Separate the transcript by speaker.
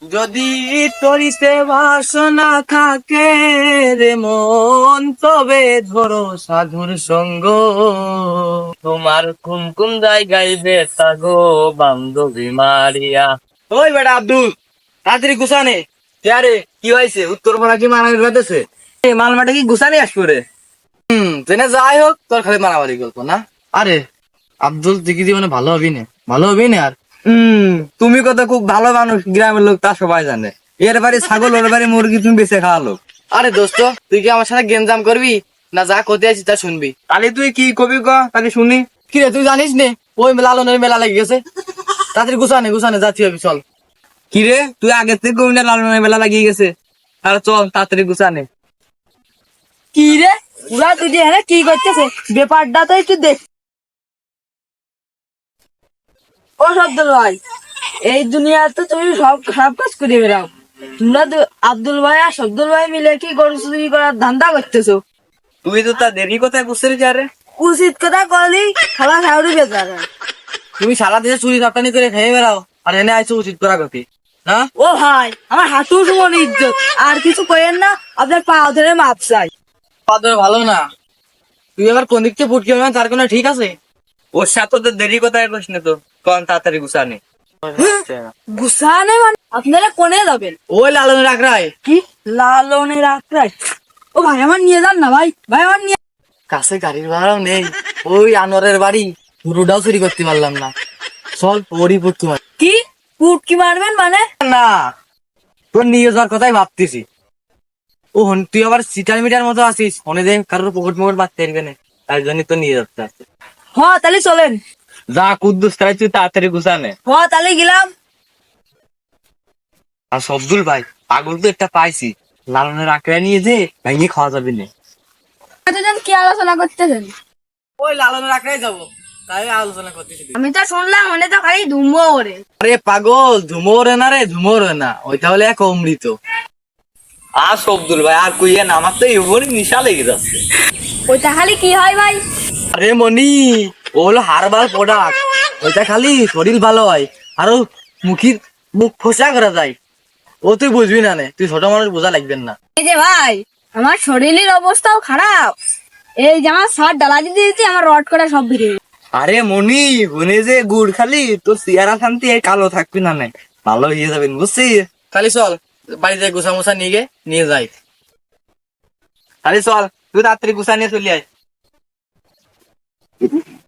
Speaker 1: যদি তরিতে বাসনা থাকে রে মন, তবে ধরো সাধুর সঙ্গ। তোমার কোন কোন জায়গায় বেতা গো বান্ধবী মারিয়া। ওই বেটা আব্দুল, তাড়াতাড়ি গুছানে। আরে কি হয়েছে? উত্তরপাড়া কি মারামারি করতেছে? এই মালমাটা কি গুছানি আসবো রে? জেনে যাই হোক, তোর খালি মারামারি গল্প না। আরে আব্দুল, তুই কি জীবনে ভালো হবি না? ভালো হবি না আর। তুমি কত খুব ভালো মানুষ, গ্রামের লোক তা সবাই জানে। এর বাড়ি ছাগল, ওর বাড়ি মুরগি, তুমি বেঁচে খাওয়া লোক। আরে দোস্ত, তুই কি আমার সাথে গেঞ্জাম করবি না যা করতে আছিস তা শুনবি? তাহলে তুই কি কবি ক, তাহলে শুনি। কি রে, তুই জানিস নে ওই লালনের মেলা লেগে গেছে? তাড়াতাড়ি গুছানে গুছানে যাচ্ছি হবে, চল। কি রে, তুই আগে থেকে কবি না লালনের মেলা লাগিয়ে গেছে? আর চল তাড়াতাড়ি গুছানে।
Speaker 2: কি রে, ওরা দুটি এখানে কি করতেছে? ব্যাপারটা তো একটু দেখ। ও শব্দুল ভাই, এই দুনিয়াতে তুমি সব খারাপ কাজ করে বেড়াও। তোমরা আব্দুল ভাই আর শব্দুল ভাই মিলে কি গরু চুরি করার ধান্দা করতেছো?
Speaker 1: তুই তো তা দেরি কোথায় বুঝতে রে?
Speaker 2: উচিত কথা করলি খালা খাওয়ারি বেচারা।
Speaker 1: তুমি সারা দেশে চুরি চাপটানি করে খেয়ে বেড়াও, আর এনে আইছো উচিত করা গতি না?
Speaker 2: ও ভাই, আমার হাঁটু সমান ইজ্জত, আর কিছু কইেন না, আপনার পা ধরে মাপ চাই।
Speaker 1: পাদর ভালো না। তুই আবার কোন দিক থেকে ফুটকি হবে তার কোনো ঠিক আছে? ওর সাথে তো দেরি কোথায় করিস না তো, কোন তাড়াতাড়ি গুছানি।
Speaker 2: গুসানে মানে আপনারা কোনে যাবেন?
Speaker 1: ওই লালনের আকড়ায়।
Speaker 2: কি লালনের আক্রাই? ও ভাই, আমার নিয়ে যান না ভাই, ভাই আমার নিয়ে।
Speaker 1: কাছে গাড়ির ভাড়াও নেই, ওই আনোয়ারের বাড়ি পুরোটাও চুরি করতে পারলাম না। চল ওরই ফুটকি মার।
Speaker 2: কি পুটকি মারবেন মানে?
Speaker 1: না, তোর নিয়ে যাওয়ার কথাই ভাবতেছি। ও তুই আবার সিটার মিটার মতো আছিস, মনে দেখ কারোর পকেট মকট বাঁধতে পারবে না, তাই জন্য তো নিয়ে যাচ্ছে আছে।
Speaker 2: হ্যাঁ তাহলে চলেন।
Speaker 1: যা কুদ্দুস, তাই তুই তাড়াতাড়ি গুছানে।
Speaker 2: হ্যাঁ তাহলে গেলাম।
Speaker 1: আর সবদুল ভাই, পাগল তো একটা পাইছি, লালনের আঁকড়া নিয়ে যে ভেঙে খাওয়া যাবে না।
Speaker 2: কি আলোচনা করতেছেন?
Speaker 1: ওই লালনের আঁকড়াই যাবো, তাই আলোচনা করতেছি।
Speaker 2: আমি তো শুনলাম মনে তো খালি ধুমো ওরে।
Speaker 1: আরে পাগল, ঝুমোরে না রে, ঝুমোরে না, ওইটা হলে এক অমৃত। আর সবদুল ভাই আর কইয়া না, আমার তো এমনই নিশা লেগে যাচ্ছে।
Speaker 2: ওইটা খালি কি হয় ভাই?
Speaker 1: আরে মনি, ও হলো হারবাল প্রোডাক্ট। ওইটা খালি শরীর ভালো হয়, আরো মুখ ফসা করা যায়। ও তুই বুঝবি না নে, তুই ছোট মানুষ, বোঝা লাগবেন না।
Speaker 2: এই যে ভাই, আমার শরীরের অবস্থাও খারাপ। এই যে আমার সার ডালা দিয়ে দিয়েছি, আমার রড করা সব বেরিয়ে গেছে।
Speaker 1: আরে মনি, হুনে যে গুড় খালি তোর চেহারা শান্তি কালো থাকবি না নাই, ভালো হয়ে যাবেন বুঝছিস। খালি চল বাড়িতে গুছা মুছা নিয়ে যাই। খালি চল, তুই তাড়াতাড়ি গুছা নিয়ে চলে আয়।